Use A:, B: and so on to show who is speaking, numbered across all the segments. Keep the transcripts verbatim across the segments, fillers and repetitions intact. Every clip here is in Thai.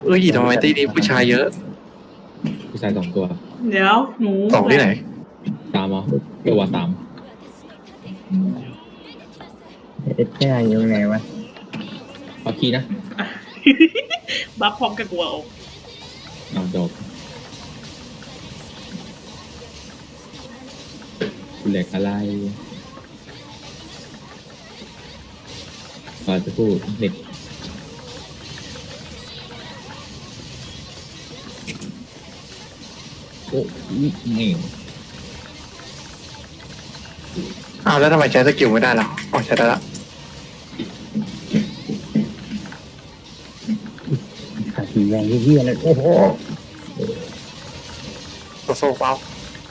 A: เอ้ยทำไมตีนี้ผู้ชายเยอะ
B: ผู้ชายสองตัว
C: เดี๋ยวหนู
A: สองที่ไหน
B: สามเหรอตัวสาม
D: เอ็ดแค่ยังไงวะ
B: เอาคีย์นะ
C: บัฟพร้อมกับกูเอา
B: เอาจบเหล็กอะไรขอจะพูดเน็ตโอ้ไม่
A: อ้าวแล้วทำไมใช้สกิลไม่ได้ล่ะอ๋อใช้ได้ละ
D: ขาสีแดงเฮี้ยเลยโอ้โห
A: โซโซ่เปล่า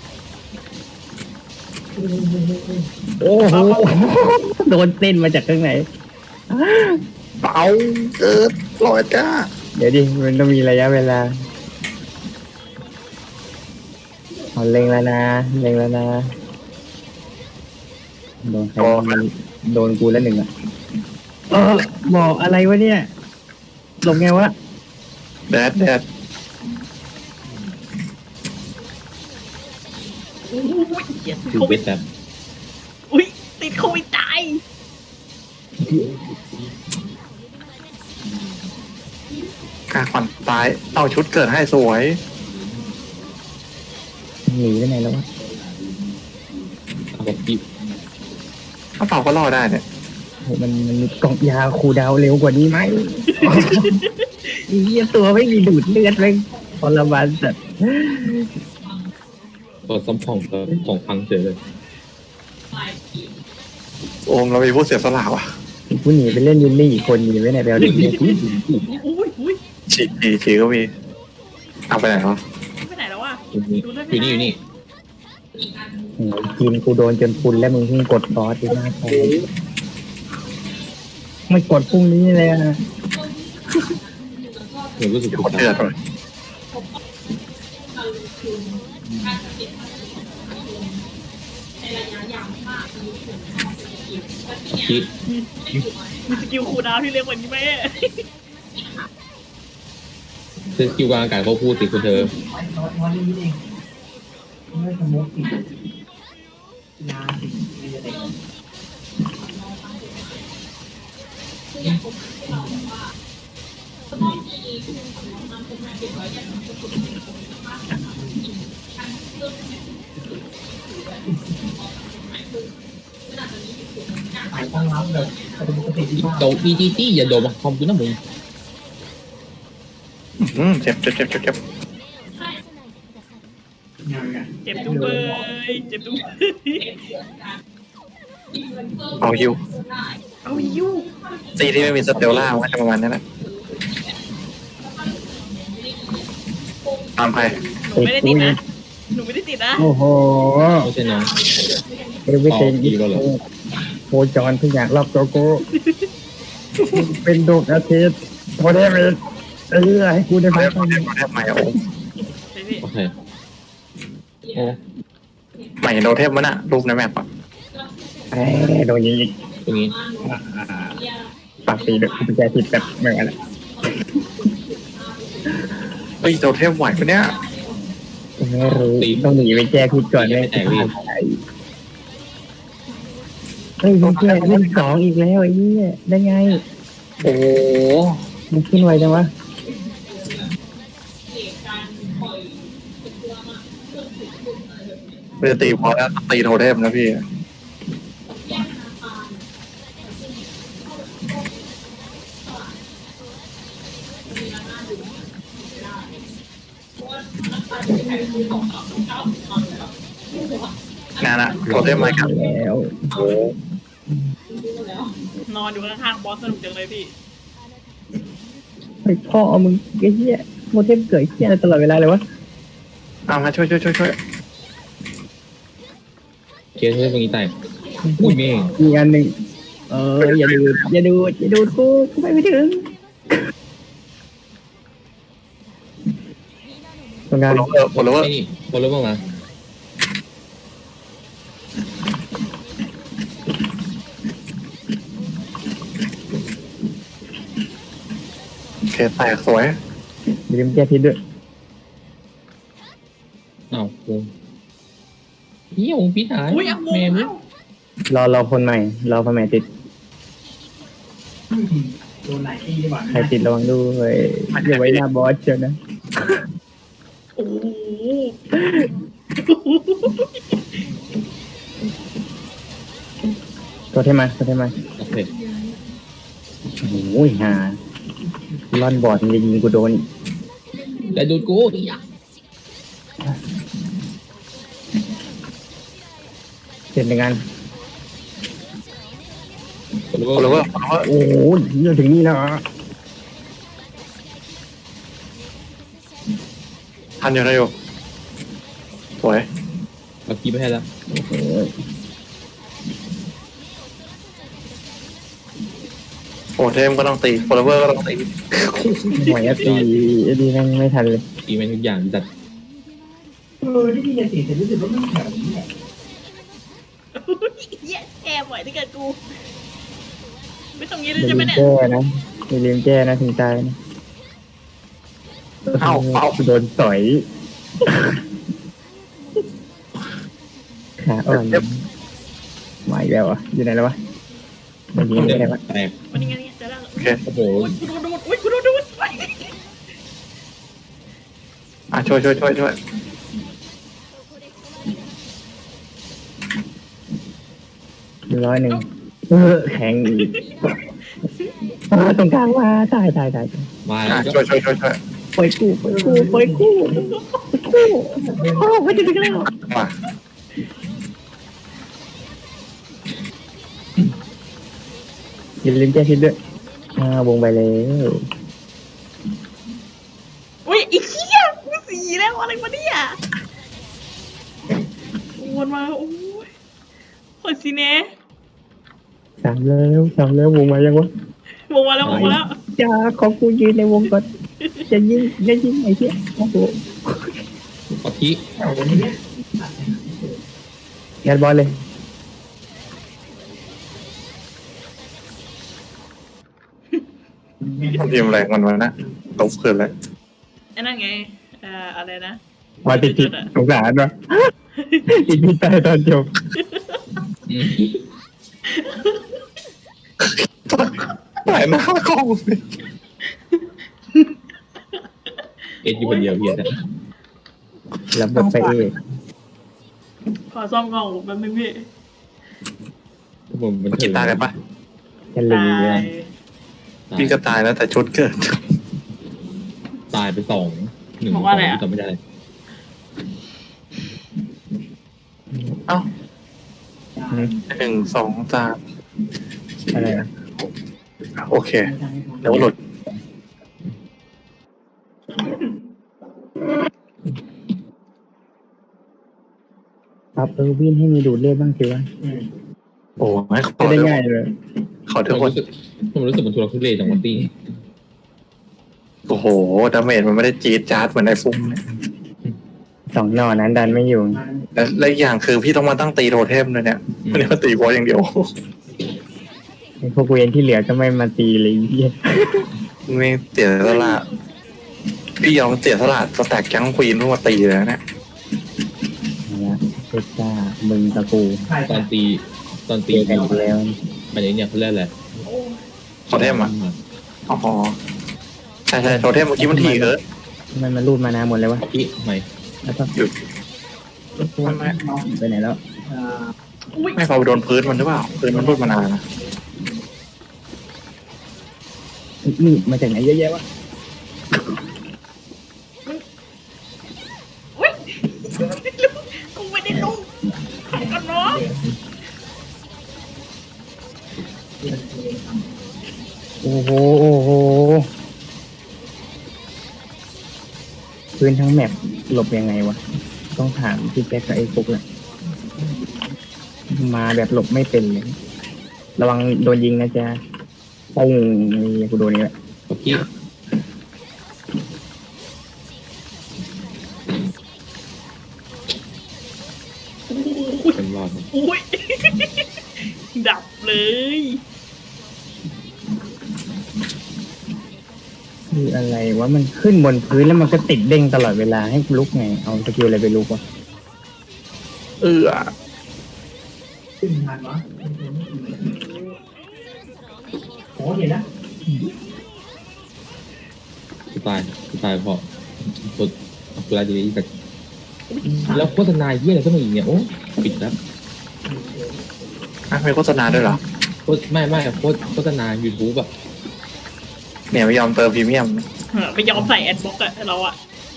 D: โอ้โหโดนเต้นมาจากข้างไหน
A: เปล่าเกิดลอยก้า
D: เดี๋ยวดิมันต้องมีระยะเวลาเอาเล็งแล้วนะเล็งแล้วนะโดนใครโดนกูแล้วหนึ่งอ่ะเออบอกอะไรวะเนี่ยลงไงวะ
A: แดดแดด
C: อุ้ยเหี้ยติด
B: คือ
C: โค
B: เว
C: วิด
B: ทแบบ
C: อุ้ยติดโควิดตาย
A: กาขวัญตายเอาชุดเกิดให้สวย
D: หนีไปไหนแล้ววะ
B: เอาแบบกิบ
A: ถ้าเปล่าก็รอดได้เนี่ย
D: โหมันมันมีกล่องยาคูดาวเร็วกว่านี้ไหมเฮียตัวไม่มีดูดเลือดเลยทรมานสัตว์
B: ตัวซ้ำผ่องตัวผ่องพังเฉยเลย
A: โอมเรามีผู้เสียสละว่ะ
D: ผู้หนีไปเล่นยินลี่อีกคนหนีไปไหนไปเอาเด็กเนี่ย
C: อุ้ยอุ้ย
A: ฉีดฉีฉีก็มีเอาไปไหนวะ
C: ไปไหนแล้ววะ
B: อยู่นี่อยู่นี่อยู่นี่
D: กินกูโดนจนพุนแล้วมึงเพิ่งกดฟอสดีมากเลยไม่กดพรุ่งนี้เลยอ่ะ
B: หนูรู้สึกถูก
A: เดือดเลย
B: คิด
C: มีสกิลคูลดาวน์ที่เร็วกว่านี้ไหม
B: คือคิวกลางอากาศเขาพูดสิคุณเธอโดนอีจีจี้อย่าโดนมาคอมกูนะมึง
A: อืมเจ็บเจ็บเจ็บเจ็บเจ็บ
C: เจ็บจุ๊บเลยเจ็บจุ๊บ
A: เอาฮิว
C: เอายู
A: ตีที่ไม่มีสเตลล่ามันจะประมาณนั้นแหละตามใคร
C: หนูไม่ได้ติดนะหนูไม่ได้ติดนะ
D: โอ้โห
B: ไม่ใช่น้อง
D: เอวิเซนอีโคจรทุกอย่างรอบตัวกูเป็นดวงอาทิตย์โคเดมิดเออให้กูได้ไหม
A: โคเดมโคเดมใหม่โอ้
B: โอเค
A: โอ้ใหม่โดเทมมันอะรูปในแมปอะ
D: เอ้โดนยิง
B: ตรงนี้
D: ปากตีแบบกุญแจติดแบบเหมือนกันแหละ
A: เฮ้ยโดเทมไหวปะเนี่ย
D: ไม่รู้ต้องหนีไปแก้พิษก่อนเลยเฮ้ยมันแก้เล่นสองอีกแล้วไอ้นี่ได้ไง
A: โอ้
D: มันขึ้นไวจังวะ
A: ไม่ได้ตีพอแล้วตีโทเทมนะพี่งานอะโทเทมมาครับ
D: แล้ว
A: โอ้
C: นอนอยู่ข้างๆบอสสนุกจังเลยพี่
D: ไอ้พ่อมึงไอ้เหี้ยโมเทมเกิดเหี้ยตลอดเวลาเลยวะ
A: เอามาช่วยช่วยช่วยช่วย
B: เกียร์ช่วยตรงนี้ใต้อุ้ยเมย์
D: อีกอันหนึ่งเอออย่าดูอย่าดูอย่าดูกูกูไปไม่ถึงตรงนั้น
A: โอลเวอร์โอลเวอร์
B: นี่โอลเวอร์มา
A: โอเคแตกสวย
D: อย่าลืมแก้พิษด้วย
B: อ้าววงเฮียวงพิษหาย
C: อุ้ยเอาวง
B: แม่มึง
C: เอ้าร
D: อรอคนใหม่รอคนใหม่ติดใครติดระวังด้วยอย่าไว้หน้าบอสเชียวนะ
C: โอ้โห
D: ตัวเทมมาตัวเทมมา
B: โอเค
D: โอ้ยฮาล่อนบอดมันจะยิงกูโดน
B: แต่ดูดกูอีอ่ะ
D: เสร็จในงาน
B: คนรู้
A: โอเลเวอ
B: ว่า
A: ร์โอเลเวอร์
D: โอ้โหเยอะถึงนี่แล้วเหรอ
A: ทันอยู่ทันอยู่สวย
B: เอากีไปให้แล้ว
D: โอ้โห
A: โอเทมก็ต้องตีโอเลเวอร์ก็ต้องตี
D: หวยอะตีไอ้ดีแม่งไม่ทันเลย
B: ตีแม่งทุกอย่างจัด
C: เหี้ยแอบไหวที่เกิดกู ไม่ต้องยืนเลย
D: อย่า
C: ใช่ไหม
D: ลืม
C: เนี่ย
D: แก้นะอย่าลืมแก้นะถึงตายนะ
A: เอ้าเอ้า
D: โดนต่อยขาอ่อนมาอีกแล้วอ่ะอยู่ไหนแล้ววะมันยิงไม่ได้วะ
B: แตก
C: วันนี้ไงเนี่ยเจะแล้ว
A: โอเค
B: โอ้โห
C: โอ้ยกูโดนดูดอุ้ยกูโดนดูดไป
A: อ่ะช่วยช่วยช่วยช่วย
D: หนึ่งร้อยหนึ่งเออแข็งอีกเออตรงกลางว่าตายตายตาย
B: มา
A: อ่ะ
B: แล้ว
A: ช่วยช่วยช่วยช่วย
D: ปล่อยกู้ปล่อยกู้ปล่อยกู้ปล่อยกู้โอ้ไม่ถึงแล้ว
A: มา
D: อย่าลืมแก้พิษด้วยอ่าวงไปแล้ว
C: อุ้ยอีกเหี้ยกูสีแล้วอะไรวะเนี่ยวนมาโอ้ยโหดสิเน่
D: สามแล้วสามแล้ววงมายังวะ
C: วงมาแล้ววงมาแล้ว
D: จ้าขอกูยืนในวงก่อนจะยิงจะยิงไอ้เหี้ยโอ้โห
B: ปะที
D: ยัดบอลเลย
A: ทีมแรงมันวะนะตบคืนเลย
C: ไอ้นั่นไงเอ่ออะไรนะ
D: มาติดติดสงสารวะติดพิษตายตอนจบ
B: อืม
A: ไหนหน้ากล้องสิ
B: เอ็ดอยู่คนเดียวเฮียนะ
D: แล้วบทไปเอก
C: ขอซ่อมกล่องแป๊บนึงพี่
B: ผมมัน
A: กีตาร์กันปะ
D: จะลี
C: ตา
D: เลย
C: ย
A: พี่ก็ตายแล้วแต่ชุดเกิด
B: ตายไปสองหนึ่ง
C: บอกว่าอะไรอ่ะ
B: จำไม่ได้
A: เอ้าหนึ่งสองสาม
D: อะไรนะ
A: โอเคเดี๋ยวหลุด
D: ครับเออวินให้มีดูดเลือดบ้างสิวะ
A: โอ้ให้ขอ
D: จะได้
A: เถ
D: ง่าย
A: อะ
D: เลย
A: ขอเถ
B: ผม
A: อะคน
B: รู้สึกผมรู้สึกมันทุรทุเรศจังหวะตี
A: โอ้โหดาเมจมันไม่ได้จี๊ดจ๊าดเหมือนไอ้ฟุ้งเนี่ย
D: สองหน่อนั้นดันไม่อยู่
A: และและอีกอย่างคือพี่ต้องมาตั้งตีโทเทมเลยเนี่ยไม่ได้มาตีบอสอย่างเดียว
D: ไอ้พวกเวนที่เหลือก็ไม่มาตีเลยไอ้เหี้ย
A: ไม่เสียสละพี่ยอมเสียสละสแต็กแก๊งควีนเพื่อมาตีเลยนะเนี่ย
D: เอาละเพชรจ้ามึงตะกู
B: ตอนตีตอนตี
D: ตีกันอีกแล้ว
B: มันไอ้เนี่ยเขาเรียกอะไร
C: โอ้ย
A: โทเทมอ่ะอ๋อใช่ใช่โทเทมเมื่อกี้มันถี่เออ
D: ทำไมมันรูดมานาหมดเลยวะ
B: ปะทีทำไม
D: แล้วก็
A: หยุดไม่ไม่
D: ไปไหนแล้ว
C: อุ้ย
A: ไม่พอไปโดนพื้นมันหรือเปล่าพื้นมันรุดมานานนะ
D: นี่มาจากไหนเยอะแยะวะ
C: อุ้ยกูไม่ได้ลุกขันกันเนาะ
D: โอ้โหโอ้โหพื้นทั้งแมปหลบยังไงวะต้องถามพี่แจ็คกับไอ้ฟุกแหละมาแบบหลบไม่เป็นเลยระวังโดนยิงนะจ๊ะปุ้งนี่กูโดนนี่แหละ
B: ปะที เป็นรอดมั้ย
C: อุ้ย ดับเลย
D: รคืออะไรวะมันขึ้นบนพื้นแล้วมันก็ติดเด้งตลอดเวลาให้ลุกไงเอาสกิลอะไรไปลุกวะ
A: เออ
E: ขึ้นทันวะโอ้เห็นแล้ว
B: กูตายกูตายเพราะกดกดอะไรดีแต่แล้วโฆษณาเยี่ยอะไรก็มาอีกเนี่ยโอ้ปิดแล้ว
A: อ่ะมีโฆษณาด้วยเหรอ
B: โฆษไม่ไม่โฆษโฆษณา YouTube อะ
A: เนี่ยไม่ยอมเติมพรีเมียม
C: เออไม่ยอมใส่แอดบล็อกอะเราอะ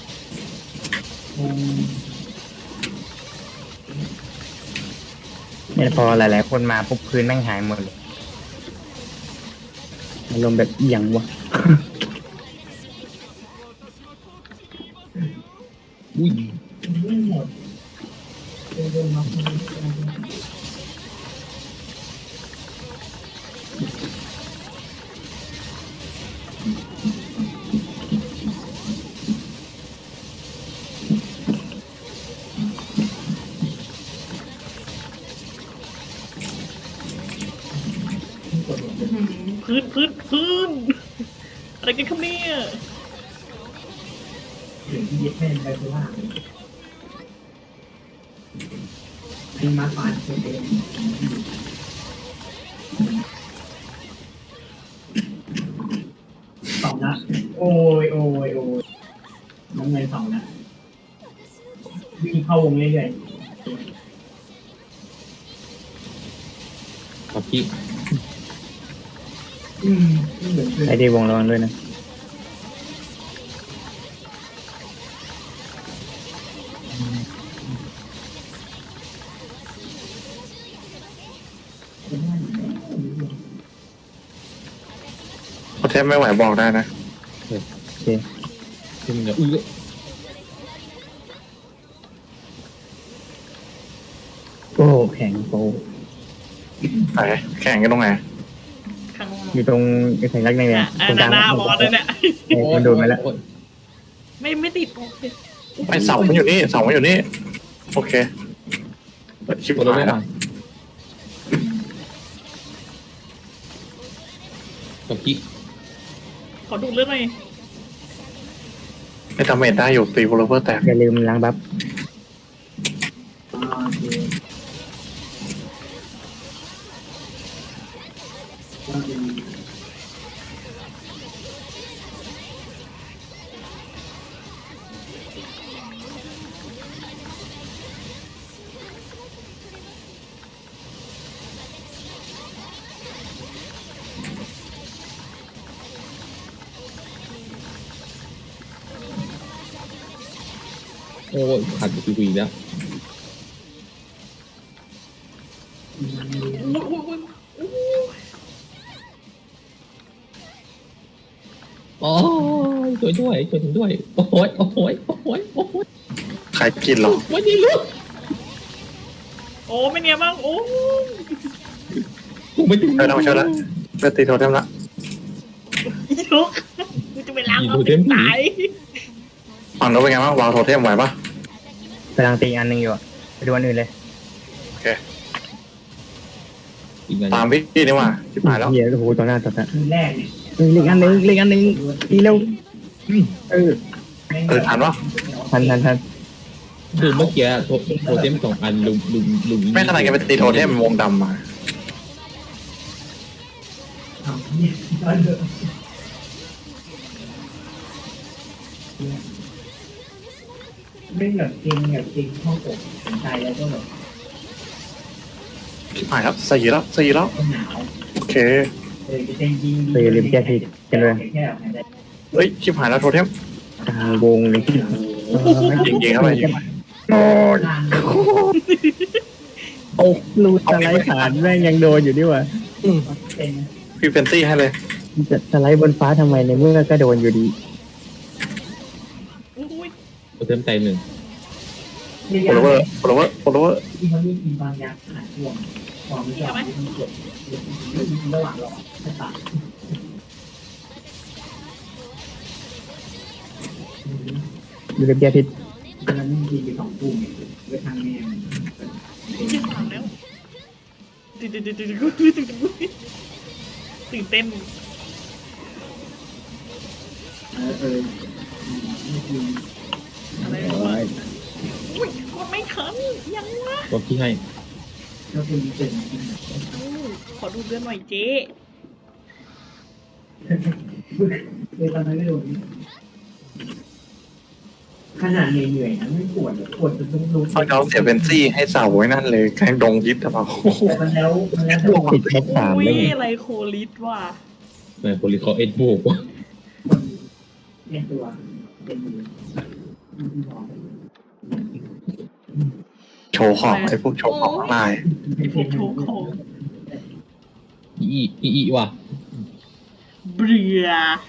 D: เนี่ยพอหลายๆคนมาปุ๊บพื้นแม่งหายหมดเลยอารมณ์แบบเอียงวะ
B: อุ้ย
E: ไม่หมดเดินมาคน
C: พื้นพื้นพื้นอะไรกันครับเนี่ย
E: ถึงที่ยึดแม่นไปคือว่าเป็นมาฝานคนเองสองนะโอ้ยโอ้ยโอ้ยน้ำเงินสองนะวิ่งเข้าวงเรื่อย
B: ขอพี่
E: ๆอืมเหมือน
D: ไอดีวงระวังด้วยนะ
A: โปรเทมไม่ไหวบอกได้นะ
D: โอเค
B: คือมันจะอื้อ
D: โอ้แข็งโป
A: ไหนแข่งกันตรงไหน
C: ข้าง
D: อยู่ตรงไอ้สัญลักษณ์นี่
C: อ่ะ
D: ตรงกลาง
C: หน้าบอสเลยเนี่ย
D: เออมันโดนมาแล้ว
B: โอ้ย
C: ไม่ไม่ติดโอเค
A: ไอเสามันอยู่นี่เสามันอยู่นี่โอเคเปิดชิป
B: กดเรา
A: หาย
B: ไม่
A: แล้ว
B: มาขอพี่
C: ขอดูเรื่องหน่อย
A: ไม่ทำเมจได้อยู่ตีโวลเวอร์แตก
D: อย่าลืมล้างบัฟ
E: อ่าโอเคก็เป็น
B: โอ้ยขาดไปคุยแล้ว
C: อุ้ยอุ้ยอุ้ยอุ้ย
B: โอ้ยช่วยด้วยช่วยด้วยโอ้ยโอ้ยโอ้ยโอ้ย
A: ใครกินหรอ
B: วันนี้ลูก
C: โอ้ไม่เนี่ยบ้างโอ้
B: กูไม่ถึง
A: เออทำช่วยแล้วเลือดตีโทเทมละ
C: ยลุกกูจะไปล้างเอาติดตาย
A: ฝั่งโน้นเป็นไงบ้างวางโทเทมไหวปะ
D: กำลังตีอันหนึ่งอยู่อะไปดูอันอื่นเลย
A: โอเค
B: อีกอัน
A: ตามพี่นี่ว่าชิบหายแล้ว
D: เฮียโอ้โหต่อหน้าต่อตา
E: คืนแรกเนี่ย
D: เฮ้ยเล็กอันหนึ่งเล็กอันหนึ่งตีเร็วเออ
A: เออทันวะ
D: ทันทันทัน
B: คือเมื่อกี้โทโทเทมสองอันลุมลุมลุม
A: ไม่ขนาดแกไปตีโทเทมวงดำมา
E: ทำเนี่ยก็เยอะไม่แบบเก่งแบบเก่งเข้าอกใจแล้วก็แบบ
A: ชิบหายแล้วสี่แล้วสี่แล้ว
E: หนาว
A: โอเค
E: เออจะเต้นยิง
D: ไปอย่าลืมแก้ทีกันเลย
E: แค่ไหนได้
A: เฮ้ยชิบหายแล้วโทเทม
D: กลางวงเลย
A: ยิงยิงเข้าไปยิงไป
D: โอ้ย
E: ลาน
D: โอ้รูดสไลด์ผ่านแม่งยังโดนอยู่ดิวะ
E: เป็น
A: พี่เฟนซี่ให้เลย
D: จะสไลด์บนฟ้าทำไมในเมื่อก็โดนอยู่ดี
C: อุ้ย
B: โทเทมใจหนึ่ง
E: เรีย
A: โฟลเวอร์โฟลเวอร์โฟลเวอร์
E: ที่เขาเรียกอินบางยาขาดห่วงความไม่ยอมที่มันกดระหว่างรอให้ตัด
D: อย่าลืมแก้พิษ
E: แล้วมันยิงไปสองปุ่มไว้ทางแม่
C: ยี่สามแล้วตื่นตื่นตื่นตื่นตื่นตื่นเต้น
E: เอออเออนี่คือ
C: อะไร
D: โอ้
C: วะ
D: ย
C: อุ้ยกดไม่ทันยังวะ
B: ก็พี่ให้
E: ก็คือมีเป็น
C: อู้ขอดูเดือนหน่อยเจ๊
E: เลยตอนนั้นไม่โดนขนาดเหนื่อยๆนะไม่ปวดปวดจนต้องลง
A: เขาเอาเสียเป็นซี่ให้เสาไว้นั่นเลยแกงดงยิดหรือเปล่า
E: แต่มันแล้วมันแล้วแต่
D: ติดแค่สาม
C: อุ้ย
D: เลย
C: อะไรโคลิสว่ะ
B: ในโพลิคอเอ็ดบวกว่า
E: เป็นตัวเป็นมือ
A: โชว์ของไอ้พวกโชว์ของลาย
C: ไอพวกโชว์ของ
B: อีอีอีว่ะ
C: เบื่อ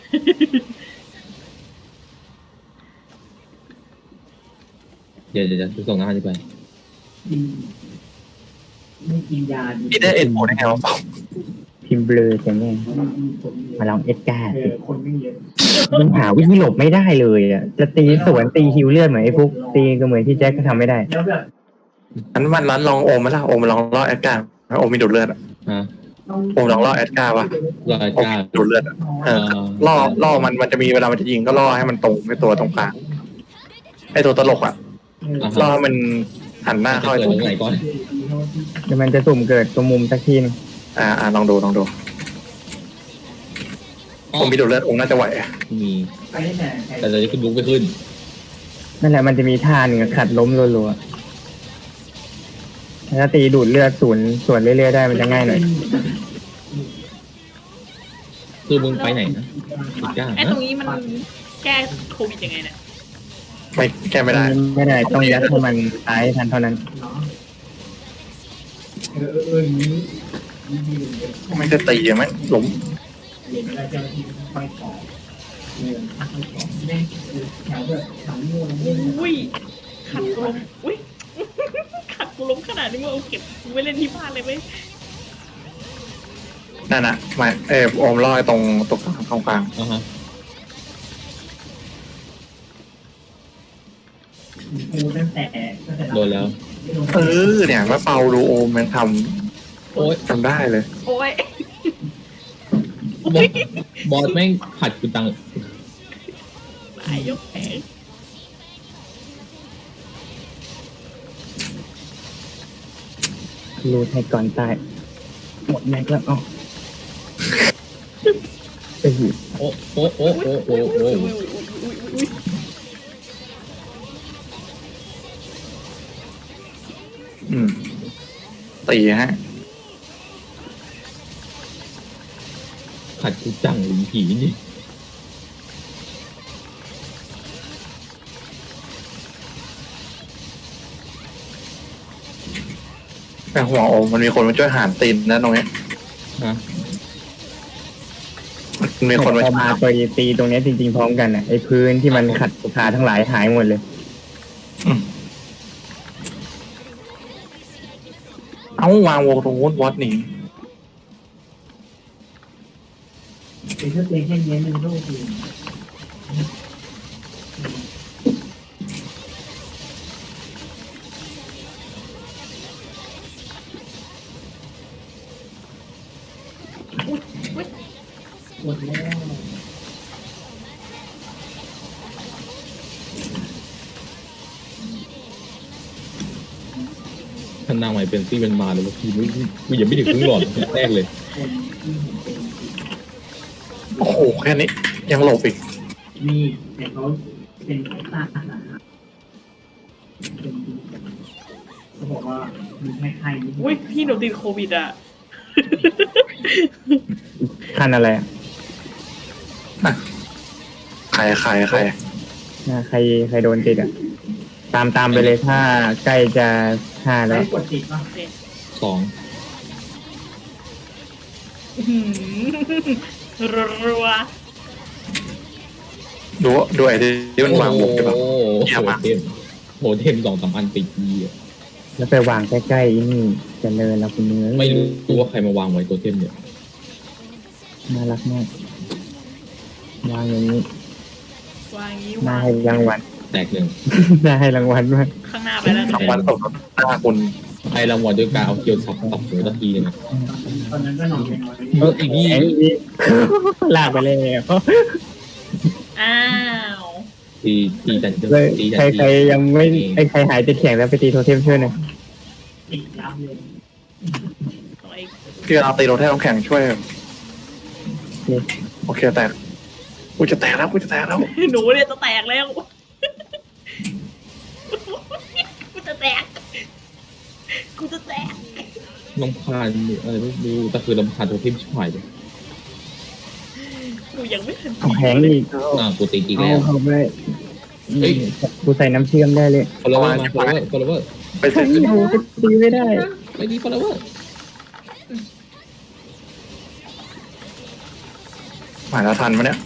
B: เดี๋ยวเดี๋ยวจะส่งงานดีกว่า
E: กินไม่กินยาดี
A: พี่ได้เอ็นโได้ไงวะเปล่า
D: พิมพ์เบลอแต่แม่มาลองเอ็ดการ์
E: เอ
D: สิ
E: อคนไม่เยอะ
D: มันหาวิธีหลบไม่ได้เลยอ่ะจะตีสวนตีฮิวเลือดเหมือนไอ้พวกตีก็เหมือนที่แจ็คก็ทำไม่ได้
E: แล้วแบบ
A: อันมันนั้นลองโอมมาละโอมมาลองล่อแอดการ์โอมมีดูดเลือดอะ
B: ฮะ
A: โอมลองล่อแอดการ์วะ
B: ราย
A: โอม
B: การ
A: ดูดเลือดอะเออล่อล่อมันมันจะมีเวลามันจะยิงก็ล่อให้มันตรงไอ้ตัวตรงกลางไอ้ตัวตลกอะล่อให้มันหันหน้าเข้าไอ้
B: เกิด
A: ตัว
B: ตรงไหนก่อน
D: เดี๋ยวมันจะสุ่มเกิดตรงมุมสักทีนึง
A: อ่าอ่าลองดูลองดูผมมีดูดเลือดองค์น่าจะไหวอะ
B: มี
E: ไปได้แต่
B: แต่ตอนนี้ขึ้นลุกไม่ขึ้น
D: นั่นแหละมันจะมีท่าหนึ่งอะขัดล้มรัวๆถ้าตีดูดเลือดศูนย์ส่วนเรื่อยๆได้มันจะง่ายหน่อย
B: คือมึงไปไหนนะอีกย่าง
C: ไอตร
B: นะ
C: งนี้มันแก้โควิดยังไงเนี่ย
A: ไม่แก้ไม่ได้
D: ไม่ได้ต้องยัดให้มันตายให้ทันเท่านั้น
E: เนาะเออเออเอออย่างนี้นี่ดีเลย
A: ไม่จะตีอะไหมหล้ม
E: เรียนอะไรเจ้าที่ไปขอเออทักไปขอแม่งแถวแบบสามโมงเล่น
C: อุ้ยขัดลมอุ้ย ขัดลมขนาดนี้มึงเอาเก็บไว้เล่นที่บ้านเลยไหม
A: นั่นน่ะไม่เออโอมล่อไอ้ตรงตรงกลางตรงกลาง
B: อ่าฮะ
E: กูตั้งแต่ตั้งแต่
B: โดนแล้ว
A: เออเนี่ยมาเป่าดูโอมมันท
B: โอ๊ย
A: ำทำได้เลย
C: โอ้ย
B: บอสบอสแม่งผัดกูตัง
C: ตายยกแผง
D: รูดให้ก่อนตายหมดแม็กแล้วอ๋อไอ้หิว
B: โอ้โอ้โอ้โอ้โอ้โอ้
C: อุ้ยอุ้ยอุ้ยอุ้ย
A: อืมตีฮะ
B: ผัดกูจังหรือผีนี่
A: แต่หัวโอมมันมีคนมาช่วยหารตีนนะตรงเนี้ย
B: ฮะ
A: มันมีคนมา
D: พอ
A: ช่วย
D: มาไปตีตรงเนี้ยจริงๆพร้อมกันอ่ะไอ้พื้นที่มันขัดขาทั้งหลายหายหมดเลย
A: เอ้าวางวงตรงนู้นวัดหนี
E: เป็นแค่เพลงแค่นี้มันโลกดีหมดแล้ว
B: ท่านนางใหม่เป็นซี่เป็นมาเลยว่าพี่มึงกูยังไม่ถึงครึ่งหลอดแรกเลย
E: คนที่เป็น
A: โอ้โหแค่นี้ ยังหลบอีก
E: มีแต่เขาเป็นแค่ตานะครับเป็นเขาบอกว่ามีแค่ไข้นิด
C: อุ้ยพี่หนูติดโควิดอ่ะ
D: ขั้นอะไรอ่ะ
A: ใครใครใคร
D: อ่าใครใครโดนติดอ่ะ ตามตามไปเลยถ้าใกล้จะห้าแล้ว
E: ไม่กดติดป่ะ
B: สอง
C: หืมรัว
A: ดูดูไอ้ที่มันวางวงใช่ปะ
B: โอ้
A: เยี่ยม
B: โห
A: มาก
B: เทมโหเทมสองสามอันติดดีอ่ะ
D: แล้วไปวางใกล้ๆนี่เจะเลยแล้วคุณเนื้อ
B: ไม่รู้ว่าใครมาวางไว้ตัวเทมเนี่ย
D: น่ารักมากวางอย่างนี้
C: ๆวางงี้
D: น่าว
C: าง
D: ให้รางวัล
B: แตกหนึ่ง
D: น่าให้รางวัลมาก
C: ข้างหน้าไปแล้ว
A: รางวัลตกหน้าคุณ
B: ให้รางวัลด้วยการเอาเกียวสับตับหัวตะทีเลยนะ
E: ตอนนั้นก็นอนไปนอน
B: เอออีกนี่
D: ไอ้นี่ลากไปเลย
C: อ้าว
B: ตีตีจันทร์
D: เลย
B: ตีจัน
D: ใคร
B: ทร์
D: ใครยังไม่ไอ้ใครหายติดแข่งแล้วไปตีโทเทมช่วยหน่อย
E: ติดยับเลย
C: ของไอ้
A: พี่เอาตีโรเทมน้ำแข็งช่วย โอเคแตกกูจะแตกแล้วกูจะแตกแล้ว
C: หนูเนี่ยจะแตกแล้ว กูจะแตก กูจะแตก
B: ลำพานอะไรไม่รู้แต่คือลำพานโทเทมชิบหายเลย
C: กูยังไม่ทัน
D: เอาแข็งอีก
B: อ่ากูตีอีก
D: เอา
B: แล้ว
D: เข้าไป
B: เฮ้ย
D: กูใส่น้ำเชื่อมได้เลย
B: ฟอลโลเวอร์มาฟอลโลเวอร์ฟอลโลเวอร์
A: ไปเสร็จ
D: โอ้โหตีไม่ได้
B: ไอ้ดีฟอลโลเวอร์
A: หมายแล้วทันปะเนี่ย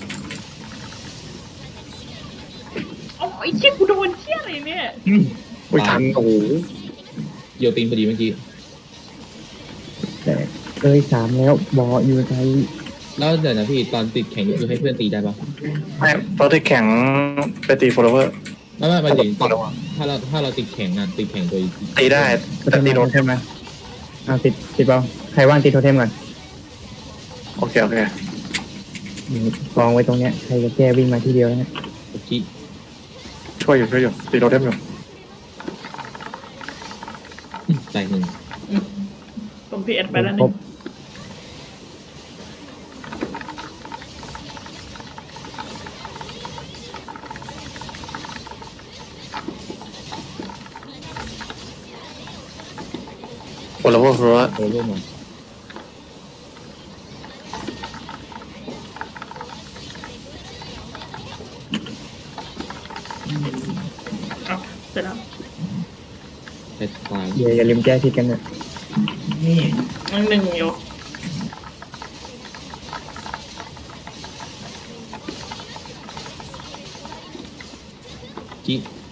C: โอ้ยเชี่ยกูโดนเชี่ยอะไรเนี่ย
A: อุ้ยทันโอ้โห
B: โยตีนพอดีเมื่อกี้
D: แต่เอ้ยสามแล้วบออยู่ไทย
B: แล้วเดี๋ยวนะพี่ตอนติดแข่งนี่คือให้เพื่อนตีได้ปะ
A: ไม่ตอนที่แข่งไปตีโฟลเวอร์
B: ไม่ไม่ไม่ถึงตอนถ้าเราถ้าเราติดแข่งอ่ะติดแข่งโดย
A: ตีได้
D: โท
A: แต่
D: เทม
A: ตี
D: มา
A: โร
D: โทเทมมาเอาติดติดเปล่าใครว่างติดโทเทมก่อน
A: โอเคโอเค
D: นี่กองไว้ตรงเนี้ยใครจะแก้วิ่งมาที่เดียวนะ
B: โอเค
A: ช่วยอยู่ช่วยอยู่ตีโรเทมอยู่
B: ใจหนึ่ง
C: ตรงพีเอ็นไปแล้ว
D: คร
C: นี่
D: บ
A: โฟลเวอร์โฟลเวอร์
B: โฟลโลเวอร์มา
C: เอาเสร็จแล้ว
B: ใช้ตาย
D: อย่าอย่าลืมแก้ทิศกันนะ
E: นี่
C: ยังหนึ่งอยู่
B: กี้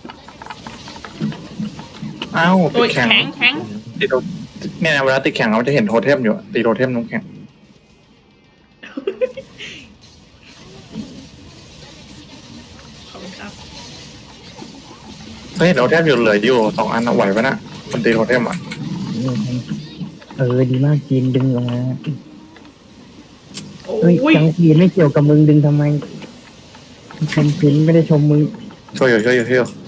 A: อ้าวติ
C: โอ้
A: ด
C: ย
A: แข่ง
C: แข็งแข็ง
A: ตีโรเนี่ยเวลาติดแข่งเราจะเห็นโทเทมอยู่ตีโรเทมน้ำแข็ง
C: ขอบคุณครับ
A: เฮ้ยโทเทมอยู่เหลืออยู่สองอันเอาไหวปะนะมันตีโทเทมอ่ะ
D: เออดีมากจีนดึงออกมา
C: โอ้
D: เฮ้ย
C: ย
D: จังจีนไม่เกี่ยวกับมึงดึงทำไมชมจีนไม่ได้ชมมึง
A: ช่วยอยู่ช่วยอยู่ช่วยอยู่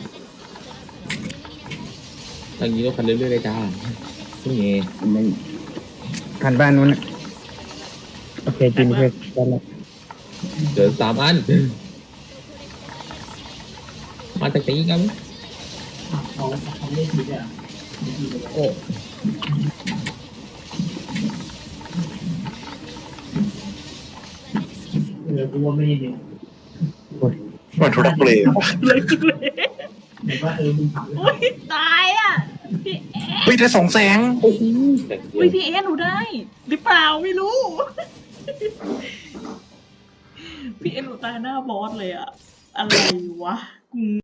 B: ตอนนี้เราคันเรื่อยๆเลยจ้านี่ไง
D: ไม่ขันบ้านนู้นนะโอเคจีนเพื่อนกันละ
B: เจอสามอันมาจากไหนกัน
E: เขาเขาไม่ผิดอ่ะ
B: โอ้
E: เออกูว่าไม่ดี
A: มันทุรักเลย
C: เลยจุดเลย
E: เห็นว่าเออมึงถาม
C: โอ้ยตายอ่ะ พี่เอ๊ะ
A: เฮ้ยได้สองแสง
B: แต่เดีย
C: อุ้ยว พี่เอ๊ะหนูได้ หรือเปล่าไม่รู้ พี่เอ๊ะหนูตายหน้าบอสเลยอ่ะ อะไรวะ